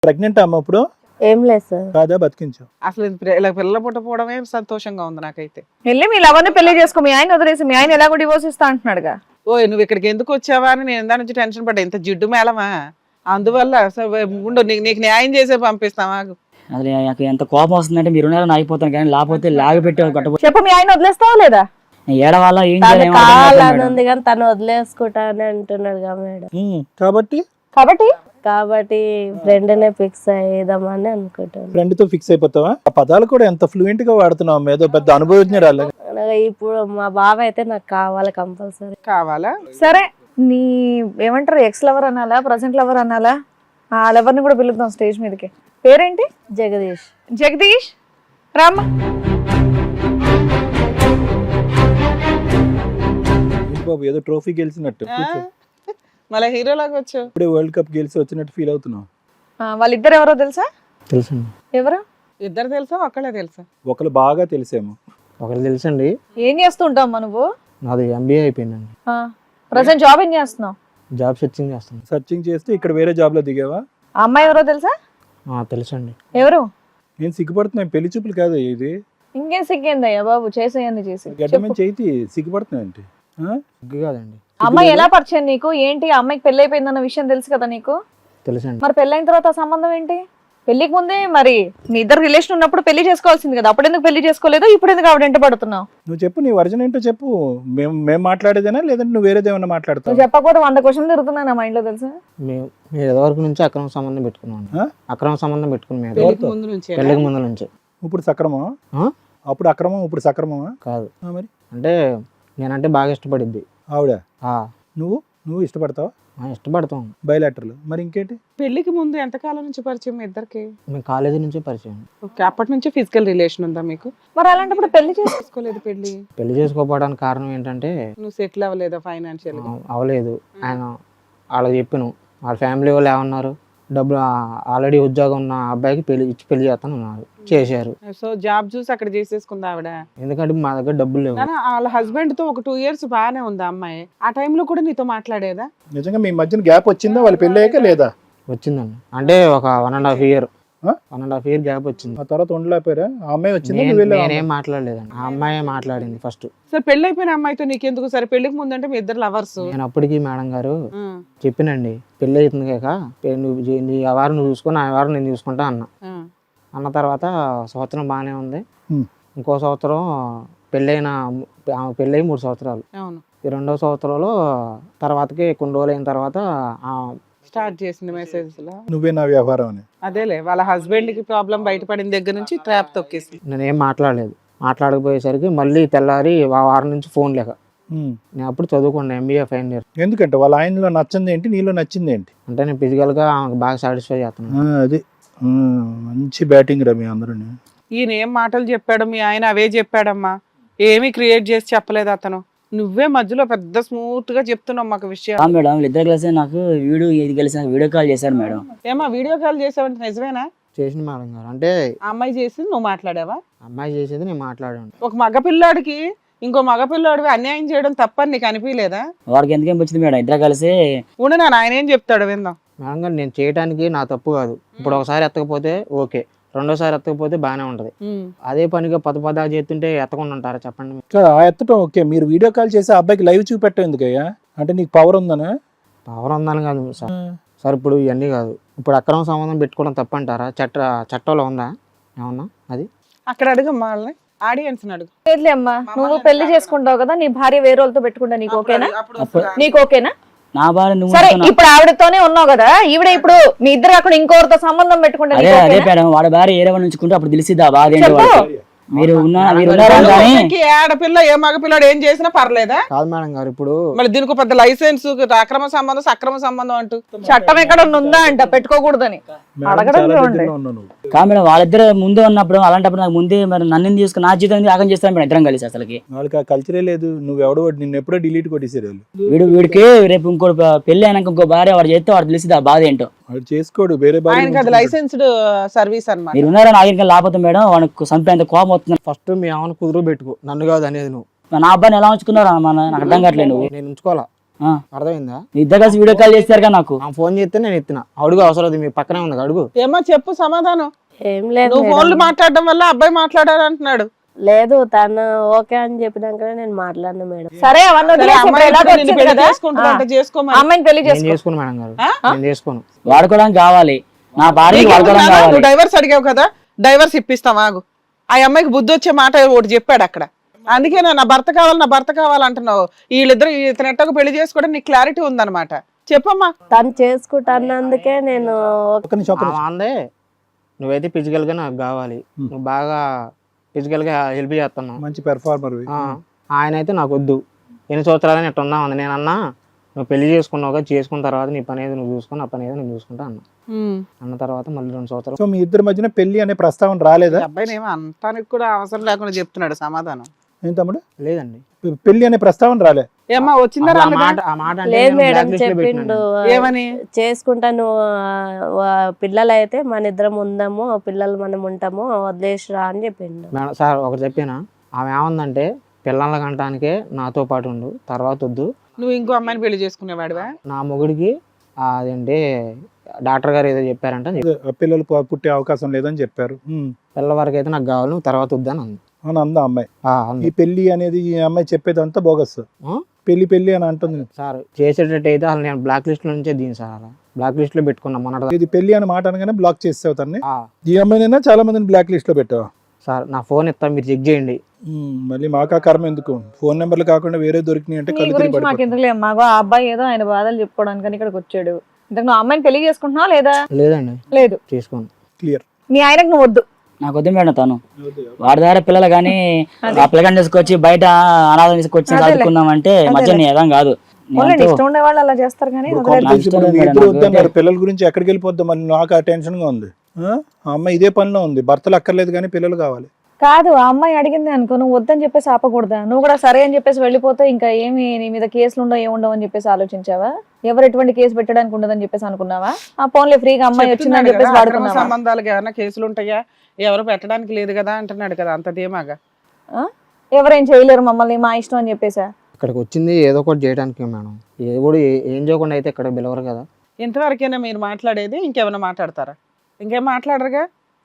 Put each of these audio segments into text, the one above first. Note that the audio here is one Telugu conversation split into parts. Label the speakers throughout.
Speaker 1: ప్రెగ్నెంట్ అమ్మ ఇప్పుడు
Speaker 2: ఏం లేదు సార్.
Speaker 1: కాదా బతికించావు?
Speaker 3: అసలు ఇలా పిల్లలు పుట్టపోవడమే సంతోషంగా ఉంది నాకైతే.
Speaker 4: వెళ్ళి మీ లవర్ని పెళ్లి చేసుకో, మీ ఆయన వదిలేసి, మీ ఆయన ఎలాగో డివోర్స్ ఇస్తా అంటున్నాడుగా.
Speaker 3: ఓ నువ్వు ఇక్కడికి ఎందుకు వచ్చావా అని నేను దాని నుంచి టెన్షన్ పడ్డా. ఇంత జిడ్డు మేళమా, అందువల్ల ఉండు నీకు న్యాయం చేసే పంపిస్తావా.
Speaker 5: అసలు నాకు ఎంత కోపం వస్తుందంటే మీరు ఉన్నారని అయిపోతాను, కానీ లేకపోతే లాగపెట్టి కొట్టబో.
Speaker 4: చెప్పు, మీ ఆయన వదిలేస్తావా లేదా?
Speaker 5: ఏడవాళ్ళ ఏం
Speaker 2: తను
Speaker 5: చేయాలి
Speaker 2: కావాలని ఉంది కానీ తను వదిలేసుకుంటా అని అంటున్నాడు కదా మేడం.
Speaker 1: కాబట్టి
Speaker 2: కాబట్టి ఫ్రెండ్ నే ఫిక్స్ అయ్యేదామని అనుకుంటాను.
Speaker 1: ఫ్రెండ్ తో ఫిక్స్ అయిపోతావా? ఆ పదాలు కూడా ఎంత ఫ్లూయెంట్ గా వాడుతున్నావు, ఏదో పెద్ద అనుభవజ్ఞరాలు.
Speaker 2: ఇప్పుడు మా బావ అయితే నాకు కావాలి, కంపల్సరీ
Speaker 3: కావాలా.
Speaker 4: సరే, నీ ఏమంటారు, ఎక్స్ లవర్ అనాలా, ప్రజెంట్ లవర్ అనాలా? ఆ లవర్ని కూడా పిలుద్దాం స్టేజ్ మీదకి. పేరేంటి?
Speaker 2: జగదీష్.
Speaker 4: జగదీష్ రామ్మ.
Speaker 1: బాబు ఏదో ట్రోఫీ గెలిచినట్టు,
Speaker 3: మళ్ళీ హీరోలాగా వచ్చావు.
Speaker 1: ఇప్పుడే వరల్డ్ కప్ గెలిచి వచ్చినట్టు ఫీల్ అవుతున్నావు.
Speaker 4: వాళ్ళిద్దరు ఎవరో తెలుసా?
Speaker 6: తెలుసండి.
Speaker 4: ఎవరు?
Speaker 3: ఇద్దరు తెలుసా, ఒక్కళ్ళే తెలుసా?
Speaker 1: ఒకరు బాగా తెలిసేమో.
Speaker 6: ఒకరు తెలుసండి.
Speaker 4: ఏం చేస్తూ ఉంటావు నువ్వు?
Speaker 6: నాది MBA అయిపోయిందండి.
Speaker 4: ప్రజెంట్ జాబ్ ఏం చేస్తున్నావు?
Speaker 6: జాబ్ సెర్చింగ్ చేస్తాను.
Speaker 1: సర్చింగ్ చేస్తే ఇక్కడ వేరే జాబ్ లో దిగావా?
Speaker 4: ఆ అమ్మాయి ఎవరో తెలుసా?
Speaker 6: తెలుసండి.
Speaker 4: ఎవరు?
Speaker 1: నేను సిగ్గుపడుతున్నాను, పెళ్లి చూపులు కాదు ఇది.
Speaker 4: ఇంకేం సిగ్గేందయ్యా బాబు, చేసేయని చేసి
Speaker 1: గడ్డమని చేతి సిగ్గుపడుతున్నాయంటే.
Speaker 6: సిగ్గు కాదండి.
Speaker 4: అమ్మాయి ఎలా పరిచయం నీకు? ఏంటి, ఆ అమ్మాయికి పెళ్లి అయిపోయిందన్న విషయం తెలుసు కదా నీకు?
Speaker 6: తెలుసండి.
Speaker 4: మరి పెళ్ళైన తర్వాత ఆ సంబంధం ఏంటి? పెళ్లికి ముందే మరి మీ ఇద్దరు రిలేషన్ ఉన్నప్పుడు పెళ్లి చేసుకోవాల్సింది కదా, అప్పుడు ఎందుకు పెళ్లి చేసుకోలేదు? ఇప్పుడు ఎందుకు ఆవిడ వెంట పడుతున్నావు?
Speaker 1: నువ్వు చెప్పు, నీ వర్జన్ ఏంటో చెప్పు. మేము మాట్లాడేదేనా లేదంటే నువ్వు వేరేదేమన్నా మాట్లాడతావు?
Speaker 4: నువ్వు చెప్పకపోతే 100 క్వశ్చన్లు తిరుగుతున్నాయి నా మైండ్ లో తెలుసా.
Speaker 6: మేము వరకు నుంచి అక్రమ సంబంధం పెట్టుకున్నాం. అక్రమ సంబంధం పెట్టుకుని
Speaker 3: పెళ్లికి ముందు నుంచి
Speaker 6: పెళ్లికి ముందు నుంచి.
Speaker 1: ఇప్పుడు సక్రమమా? అప్పుడు అక్రమం, ఇప్పుడు సక్రమమా?
Speaker 6: కాదు.
Speaker 1: మరి
Speaker 6: అంటే నేనంటే బాగా ఇష్టపడిద్ది
Speaker 1: ఆవిడ. నువ్వు ఇష్టపడతావా?
Speaker 6: ఇష్టపడతాం.
Speaker 1: బయలాటర్లు. మరి ఇంకేంటి?
Speaker 3: పెళ్లికి ముందు ఎంతకాలం నుంచి పరిచయం మీ ఇద్దరికి?
Speaker 6: మేము కాలేజీ నుంచే పరిచయం.
Speaker 3: ఓకే, అప్పటి నుంచి ఫిజికల్ రిలేషన్ ఉందా మీకు?
Speaker 4: మరి అలాంటప్పుడు పెళ్లి
Speaker 3: చేసుకోలేదు.
Speaker 6: పెళ్లి చేసుకోకపోవడానికి కారణం ఏంటంటే
Speaker 3: నువ్వు సెటిల్ అవ్వలేదా ఫైనాన్షియల్?
Speaker 6: అవ్వలేదు. ఆయన వాళ్ళకి చెప్పాను, వాళ్ళ ఫ్యామిలీ వాళ్ళు ఏమన్నారు, డబ్బులు ఆల్రెడీ ఉద్యోగం ఉన్న అబ్బాయికి పెళ్లి చేస్తాను ఉన్నారు, చేశారు.
Speaker 3: సో జాబ్ చూసి అక్కడ చేసేసుకుందా ఆవిడ?
Speaker 6: ఎందుకంటే మా దగ్గర డబ్బులు లేవు.
Speaker 3: వాళ్ళ హస్బెండ్ తో ఒక 2 years బాగానే ఉంది అమ్మాయి. ఆ టైంలో కూడా నీతో మాట్లాడేదా?
Speaker 1: నిజంగా మీ మధ్యన గ్యాప్ వచ్చిందా వాళ్ళు పెళ్లి అయ్యాక లేదా?
Speaker 6: వచ్చిందండి. అంటే ఒక 1.5 year గ్యాప్ వచ్చింది.
Speaker 1: ఆ తర్వాత ఉండలేకపోయారా? ఆ అమ్మాయి వచ్చింది,
Speaker 6: నేనేం మాట్లాడలేదండి, ఆ అమ్మాయి మాట్లాడింది ఫస్ట్.
Speaker 3: సరే, పెళ్లి అయిపోయిన అమ్మాయితో నీకెందుకు? సరే, పెళ్లికి ముందు అంటే మీ ఇద్దరు లవర్స్.
Speaker 6: నేను అప్పటికి మేడం గారు చెప్పినండి, పెళ్లి అవుతుంది కాక నీ వారం నువ్వు చూసుకుని, ఆ వారం నేను చూసుకుంటా అన్న తర్వాత సంవత్సరం బాగానే ఉంది. ఇంకో సంవత్సరం పెళ్ళి 3 సంవత్సరాలు. ఈ 2వ సంవత్సరంలో తర్వాతకి కొన్ని రోజులు అయిన తర్వాత
Speaker 3: స్టార్ట్ చేసింది మెసేజ్ లో,
Speaker 1: నువ్వే నా వ్యవహారం అని.
Speaker 3: అదేలే, వాళ్ళ హస్బెండ్ కి ప్రాబ్లం బయటపడిన దగ్గర నుంచి ట్రాప్ తొక్కేసి.
Speaker 6: నేనేం మాట్లాడలేదు. మాట్లాడకపోయేసరికి మళ్ళీ తెల్లారి వారం నుంచి ఫోన్ లేక. నేను అప్పుడు చదువుకున్నాను, MBA ఫైనల్ ఇయర్.
Speaker 1: ఎందుకంటే వాళ్ళ ఆయనలో నచ్చింది ఏంటి, నీలో నచ్చింది ఏంటి?
Speaker 6: అంటే నేను ఫిజికల్ గా బాగా సాటిస్ఫై చేస్తున్నాను.
Speaker 1: అది మంచి బ్యాటింగ్ రా మీ అందరూ.
Speaker 3: ఈయన ఏం మాటలు చెప్పాడు, మీ ఆయన అవే చెప్పాడమ్మా, ఏమీ క్రియేట్ చేసి చెప్పలేదు అతను. నువ్వే మధ్యలో పెద్ద స్మూత్ గా చెప్తున్నావు మాకు విషయం.
Speaker 5: మేడం వీళ్ళిద్దరు కలిసి నాకు వీడియో కాల్ చేశారు మేడం.
Speaker 3: ఏమా వీడియో కాల్ చేసావంటే నిజమేనా?
Speaker 6: చేసిన మేడం గారు. అంటే
Speaker 3: అమ్మాయి చేసింది నువ్వు మాట్లాడావా?
Speaker 6: అమ్మాయి చేసేది నేను మాట్లాడాను.
Speaker 3: ఒక మగపిల్లాడికి ఇంకో మగపిల్లాడివి అన్యాయం చేయడం తప్పని నీకు అనిపించలేదా?
Speaker 5: వాడికి ఎందుకేం వచ్చింది మేడం, ఇద్దరు కలిసి
Speaker 3: ఉండు, ఆయన ఏం చెప్తాడు విందాం.
Speaker 6: మేడం గారు, నేను చేయడానికి నా తప్పు కాదు. ఇప్పుడు ఒకసారి ఎత్తకపోతే ఓకే, రెండోసారి ఎత్తకపోతే బాగానే ఉంటది. అదే పనిగా పద చేస్తుంటే ఎత్తకుండా ఉంటారా చెప్పండి?
Speaker 1: ఆ ఎత్తటం ఓకే, మీరు వీడియో కాల్ చేసి ఆ అబ్బాయికి లైవ్ చూపెట్టం ఎందుకయ్యా? అంటే నీకు పవర్ ఉందనా?
Speaker 6: పవర్ ఉందని కాదు సార్, ఇప్పుడు ఇవన్నీ కాదు. ఇప్పుడు అక్రమ సంబంధం పెట్టుకోవడం తప్పంటారా? చట్టంలో ఉందా ఏమన్నా? అది
Speaker 3: అక్కడ అడుగమ్మా, వాళ్ళని ఆడియన్స్ అడుగు.
Speaker 4: లేదులే అమ్మా, నువ్వు పెళ్లి చేసుకుంటావు కదా, నీ భార్య వేరే వాళ్ళతో పెట్టుకుంటా, నీకు ఓకేనా? నీకు ఓకేనా?
Speaker 5: నా భార్య నువ్వు.
Speaker 4: సరే, ఇప్పుడు ఆవిడతోనే ఉన్నావు కదా, ఈవిడ ఇప్పుడు మీ ఇద్దరు అక్కడ ఇంకోరితో సంబంధం పెట్టుకుంటా,
Speaker 5: అదే మేడం, వాడి భార్య ఏరే ఉంచుకుంటే అప్పుడు తెలిసిద్దా బాధ ఏంటో. మీరు
Speaker 3: ఆడపిల్ల ఏ మగపిల్లాడు ఏం చేసినా పర్లేదా?
Speaker 6: కాదు మేడం గారు, ఇప్పుడు
Speaker 3: మళ్ళీ దీనికి పెద్ద లైసెన్స్, అక్రమ సంబంధం సక్రమ సంబంధం అంటూ
Speaker 4: చట్టం ఎక్కడ ఉందా అంట పెట్టుకోకూడదని అడగడం.
Speaker 5: కాదు మేడం, వాళ్ళిద్దరు ముందు ఉన్నప్పుడు అలాంటప్పుడు నాకు ముందే మరి నన్ను తీసుకుని నా జీవితం ఆగం చేస్తాను మేడం ఇద్దరం కలిసి. అసలుకి
Speaker 1: వాళ్ళకి ఆ కల్చరే లేదు. నువ్వెవడో నిన్ను ఎప్పుడో డిలీట్ కొట్టేసారు వాళ్ళు.
Speaker 5: వీడికి రేపు ఇంకో పెళ్లి అయినాక ఇంకో భార్య వాడు చేస్తే వాడు తెలిసిద్దా బాధ ఏంటో.
Speaker 1: వాడు చేసుకోడు, వేరే
Speaker 3: లైసెన్స్డ్ సర్వీస్ అన్నమాట.
Speaker 5: మీరు ఉన్నారని ఆగిన లేకపోతే మేడం వాడికి చంపేంత కోపం వస్తుంది.
Speaker 6: ఫస్ట్ మీ ఆమెను కుదురు పెట్టుకో, నన్ను కాదు అనేది నువ్వు.
Speaker 5: నా అబ్బాయిని ఎలా ఉంచుకున్నారా నాకు అర్థం కావట్లేదు. నువ్వు
Speaker 6: నేను ఉంచుకోవాలా?
Speaker 5: ఆ,
Speaker 6: అర్థమైందా?
Speaker 5: మీ ఇద్దరు కలిసి వీడియో కాల్ చేస్తారుగా నాకు.
Speaker 6: ఆ ఫోన్ చేస్తే నేను ఎత్తిన. అడుగు, అవసరం లేదు, మీ పక్కనే ఉంది అడుగు.
Speaker 3: ఏమో చెప్పు సమాధానం.
Speaker 2: ఏం లేదు
Speaker 3: నువ్వు
Speaker 2: మేడం.
Speaker 3: ఫోన్లు మాట్లాడడం వల్ల అబ్బాయి మాట్లాడారు అంటున్నాడు.
Speaker 2: లేదు తను ఓకే అని చెప్పినాకనే నేను మాట్లాడినా మేడం.
Speaker 4: సరే అవన్నీ
Speaker 3: సరే,
Speaker 4: వదిలేసి
Speaker 3: అమ్మాయి
Speaker 4: ఇప్పుడు ఎలాగో
Speaker 3: ఇప్పుడు నిన్ను
Speaker 4: వచ్చింది
Speaker 3: పెళ్లి
Speaker 4: కదా,
Speaker 3: చేసుకుంటానంటే
Speaker 4: ఆ
Speaker 3: చేసుకోమని.
Speaker 4: అమ్మాయిని పెళ్లి
Speaker 6: నేను
Speaker 4: చేసుకో.
Speaker 6: చేసుకోను మేడం గారు, నేను చేసుకోను.
Speaker 5: వాడుకోవడానికి కావాలి, నా భార్యకి వాడుకోవడానికి
Speaker 3: నీకేమన్నా?
Speaker 5: కావాలి.
Speaker 3: నువ్వు డైవర్స్ అడిగావు కదా, డైవర్స్ ఇప్పిస్తాం ఆగు. ఆ అమ్మాయికి బుద్ధి వచ్చే మాట ఒకటి చెప్పాడు అక్కడ. అందుకే నా భర్త కావాలి, నా భర్త కావాలంటున్నావు. వీళ్ళిద్దరు ఇతను ఎట్టకు పెళ్లి చేసుకోవడం నీకు క్లారిటీ ఉందన్నమాట. చెప్పమ్మా.
Speaker 2: తను చేసుకుంటానందుకే నేను
Speaker 1: ఒక్క నిమిషం, ఒక్క నిమిషం.
Speaker 6: అందే నువ్వైతే ఫిజికల్ గా నాకు కావాలి, నువ్వు బాగా ఫిజికల్ గా హెల్ప్ చేస్తున్నావు.
Speaker 1: మంచి పెర్ఫార్మర్.
Speaker 6: ఆయన అయితే నాకు వద్దు, ఎన్ని సంవత్సరాలని ఎట్టు ఉందా ఉంది. నేను అన్నా నువ్వు పెళ్లి చేసుకున్నావుగా, చేసుకున్న తర్వాత నీ పని ఏదో నువ్వు చూసుకుని, నా పని ఏదో నేను చూసుకుంటా అన్న తర్వాత మళ్ళీ 2 సంవత్సరాలు.
Speaker 1: సో మీ ఇద్దరి మధ్యన పెళ్లి అనే ప్రస్తావన రాలేదా?
Speaker 3: అబ్బాయిని ఏమో అంతానికి కూడా అవసరం లేకుండా చెప్తున్నాడు సమాధానం.
Speaker 1: ఏం తమ్ముడు,
Speaker 6: లేదండి,
Speaker 1: పెళ్లి అనే ప్రస్తావన రాలే?
Speaker 3: ఏమ్మా వచ్చిందా
Speaker 6: అసలు ఆ
Speaker 3: రాలేదా?
Speaker 6: మాట ఆ మాట అంటే
Speaker 2: లేదు
Speaker 6: నేను
Speaker 2: మేడం
Speaker 6: blacklist లో
Speaker 2: చెప్పిండు.
Speaker 6: పెట్టినాను.
Speaker 3: ఏమని?
Speaker 2: చేసుకుంటాను పిల్లలు అయితే మన ఇద్దరం ఉందాము, పిల్లలు మనం ఉంటాము, వదిలేసిరా అని చెప్పిండు.
Speaker 6: మేడం సార్ ఒకటి చెప్పినా, ఆమె ఏమందంటే పిల్లల కంటానికే నాతో పాటు ఉండు, తర్వాత వద్దు.
Speaker 3: నువ్వు ఇంకో అమ్మాయిని పెళ్లి చేసుకునేవాడివా?
Speaker 6: నా మొగుడికి అదేంటి డాక్టర్ గారు ఏదో చెప్పారంట,
Speaker 1: పిల్లలు పుట్టే అవకాశం లేదని చెప్పారు.
Speaker 6: పిల్లల వరకు అయితే నాకు కావాలి, నువ్వు తర్వాత వద్దని అంది.
Speaker 1: అని అందా అమ్మాయి.
Speaker 6: అంది.
Speaker 1: ఈ పెళ్లి అనేది ఈ అమ్మాయి చెప్పేదంతా బోగస్.
Speaker 6: ఆ?
Speaker 1: పెళ్లి అని అంటుంది.
Speaker 6: సార్ చేసేటట్టు అయితే అసలు నేను బ్లాక్ లిస్ట్ లో నుంచే దీని సార్, అలా బ్లాక్ లిస్ట్ లో పెట్టుకున్నా మొన్న.
Speaker 1: ఇది పెళ్లి అని మాట అనగానే బ్లాక్ చేసావు తన్ని. ఈ అమ్మాయినైనా చాలా మందిని బ్లాక్ లిస్ట్ లో పెట్టావు.
Speaker 6: సార్ నా ఫోన్ ఇస్తా, మీరు చెక్ చేయండి.
Speaker 1: మళ్ళీ మాకా కర్మ ఎందుకు? ఫోన్ నెంబర్లు కాకుండా వేరే దొరికినాయి అంటే
Speaker 4: నీ
Speaker 1: కళ్ళు
Speaker 4: గురించి
Speaker 1: తిరిగి
Speaker 4: మాకు ఎందుకు లేదు, మాకు ఆ అబ్బాయి ఏదో ఆయన బాధలు చెప్పుకోవడానికి ఇక్కడికి వచ్చాడు. ఇంతకు నువ్వు అమ్మాయిని పెళ్లి చేసుకుంటున్నావా లేదా?
Speaker 6: లేదండి,
Speaker 4: లేదు.
Speaker 6: చేసుకోండి.
Speaker 1: క్లియర్.
Speaker 4: మీ ఆయనకు నువ్వు వద్దు.
Speaker 5: నాకు వద్దు మేడం, తను వాడి దగ్గర పిల్లలు కానీ ఆ పిల్లగాని తీసుకొచ్చి బయట అనాథం తీసుకొచ్చి చదువుకుందాం అంటే మధ్య ఏదం కాదు.
Speaker 4: వాళ్ళని ఇష్టం ఉండే వాళ్ళు అలా చేస్తారు కానీ
Speaker 1: ఇప్పుడు
Speaker 4: వదిలేదు.
Speaker 1: కాంప్లెక్స్ ఇప్పుడు మీ ఇద్దరు వద్దన్నారు. పిల్లల గురించి ఎక్కడికి వెళ్ళిపోద్దాం మళ్ళీ, నాకు ఆ టెన్షన్ గా ఉంది. ఆ అమ్మాయి ఇదే పనిలో ఉంది, భర్తలు అక్కర్లేదు కానీ పిల్లలు కావాలి.
Speaker 4: కాదు, ఆ అమ్మాయి అడిగింది అనుకో, నువ్వు వద్దని చెప్పేసి ఆపకూడదా? నువ్వు కూడా సరే అని చెప్పేసి వెళ్ళిపోతే ఇంకా ఏమి నీ మీద కేసులు ఉండవు, ఏముండవు అని చెప్పేసి ఆలోచించావా? ఎవరు ఎటువంటి కేసు పెట్టడానికి ఉండదని చెప్పేసి అనుకున్నావా? ఆ ఫోన్లే ఫ్రీగా అమ్మాయి వచ్చిందని చెప్పేసి
Speaker 3: అక్రమ
Speaker 4: వాడుకున్నావా?
Speaker 3: సంబంధాలకు ఏమైనా కేసులు ఉంటాయా? ఎవరు పెట్టడానికి లేదు కదా అంటున్నాడు కదా, అంత ధీమాగా.
Speaker 4: ఎవరేం చేయలేరు మమ్మల్ని, మా ఇష్టం అని చెప్పేసా?
Speaker 6: ఇక్కడికి వచ్చింది ఏదో ఒకటి చేయడానికి మేడం, ఏదో కూడా ఏం చేయకుండా అయితే ఇక్కడ పిలవరు కదా.
Speaker 3: ఇంతవరకైనా మీరు మాట్లాడేది? ఇంకేమైనా మాట్లాడతారా? ఇంకేం మాట్లాడరుగా.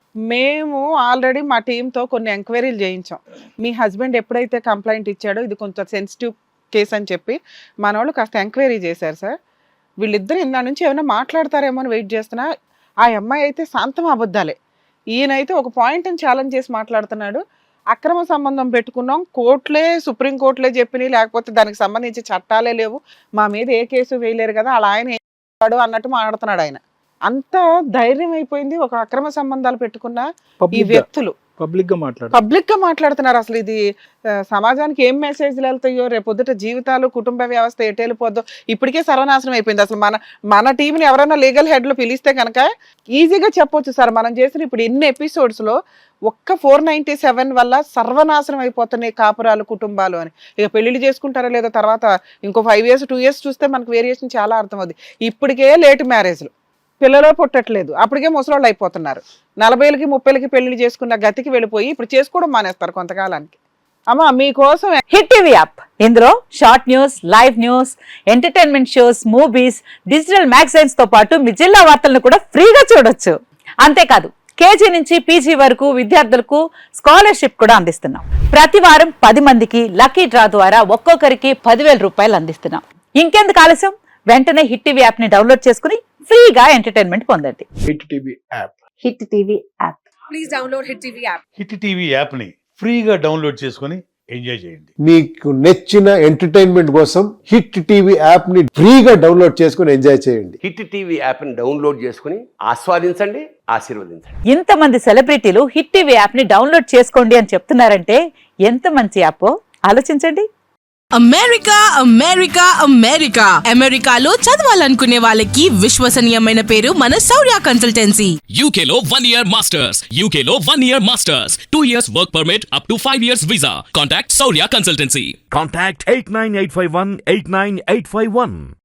Speaker 3: మేము ఆల్రెడీ మా టీంతో కొన్ని ఎంక్వైరీలు చేయించాం. మీ హస్బెండ్ ఎప్పుడైతే కంప్లైంట్ ఇచ్చాడో ఇది కొంచెం సెన్సిటివ్ కేసు అని చెప్పి మన వాళ్ళు కాస్త ఎంక్వైరీ చేశారు సార్. వీళ్ళిద్దరు ఇందా నుంచి ఏమైనా మాట్లాడతారేమో అని వెయిట్ చేస్తున్నా. ఆ అమ్మాయి అయితే శాంతం అబద్ధాలే, ఈయనైతే ఒక పాయింట్ని ఛాలెంజ్ చేసి మాట్లాడుతున్నాడు. అక్రమ సంబంధం పెట్టుకున్నాం, కోర్టులే సుప్రీం కోర్టులే చెప్పినాయి, లేకపోతే దానికి సంబంధించి చట్టాలే లేవు, మా మీద ఏ కేసు వేయలేరు కదా, అలా ఆయన ఏం చేస్తాడు అన్నట్టు మాట్లాడుతున్నాడు ఆయన. అంత ధైర్యం అయిపోయింది ఒక అక్రమ సంబంధాలు పెట్టుకున్న ఈ వ్యక్తులు
Speaker 1: పబ్లిక్
Speaker 3: గా మాట్లాడుతున్నారు. అసలు ఇది సమాజానికి ఏం మెసేజ్లు వెళ్తాయో, రేపొద్దుట జీవితాలు, కుటుంబ వ్యవస్థ ఎటు వెళ్ళిపోద్దో. ఇప్పటికే సర్వనాశనం అయిపోయింది. అసలు మన టీంని ఎవరైనా లీగల్ హెడ్లు పిలిస్తే కనుక ఈజీగా చెప్పొచ్చు సార్, మనం చేసిన ఇప్పుడు ఎన్ని ఎపిసోడ్స్ లో ఒక్క 497 వల్ల సర్వనాశనం అయిపోతున్నాయి కాపురాలు, కుటుంబాలు అని. ఇక పెళ్లిళ్ళు చేసుకుంటారా లేదా తర్వాత ఇంకో 5 years 2 years చూస్తే మనకు వేరియేషన్ చాలా అర్థమవుతుంది. ఇప్పటికే లేట్ మ్యారేజ్లు, పిల్లలు పుట్టట్లేదు, అప్పటికే ముసలోళ్ళు అయిపోతున్నారు. 40 30 పెళ్లి చేసుకున్న గతికి వెళ్ళిపోయి ఇప్పుడు చేసుకోవడం మానేస్తారు కొంతకాలానికి. అమ్మా మీకోసం
Speaker 7: హిట్ టీవీ యాప్, ఇందులో short news, live news, entertainment shows, movies, digital magazines తో పాటు మీ జిల్లా వార్తలను కూడా ఫ్రీగా చూడొచ్చు. అంతేకాదు కేజీ నుంచి పీజీ వరకు విద్యార్థులకు స్కాలర్షిప్ కూడా అందిస్తున్నాం. ప్రతి వారం 10 మందికి లక్కీ డ్రా ద్వారా ఒక్కొక్కరికి 10,000 రూపాయలు అందిస్తున్నాం. ఇంకెందుకు ఆలస్యం, వెంటనే హిట్ టీవీ యాప్ ని డౌన్లోడ్ చేసుకుని ఫ్రీగా ఎంటర్టైన్మెంట్ పొందండి.
Speaker 8: Hit TV app.
Speaker 7: Hit TV app.
Speaker 9: Please download hit TV app.
Speaker 8: Hit TV app ని ఫ్రీగా డౌన్లోడ్ చేసుకొని ఎంజాయ్ చేయండి.
Speaker 10: మీకు నచ్చిన ఎంటర్టైన్మెంట్ కోసం హిట్ టీవీ యాప్ ని ఫ్రీగా డౌన్లోడ్ చేసుకొని ఎంజాయ్ చేయండి.
Speaker 11: హిట్ టీవీ యాప్ ని డౌన్లోడ్ చేసుకుని ఆస్వాదించండి, ఆశీర్వదించండి.
Speaker 7: ఇంతమంది సెలబ్రిటీలు హిట్ టీవీ యాప్ ని డౌన్లోడ్ చేసుకోండి అని చెప్తున్నారంటే ఎంత మంచి యాప్ ఆలోచించండి.
Speaker 9: అమెరికా అమెరికా అమెరికా అమెరికాలో చదవాలనుకునే వాళ్ళకి విశ్వసనీయమైన పేరు మన శౌర్య కన్సల్టెన్సీ.
Speaker 12: UK లో 1 year masters, UK లో 1 year masters, 2 years work permit up to 5 years visa. Contact Saurya Consultancy.
Speaker 13: Contact 89851 89851.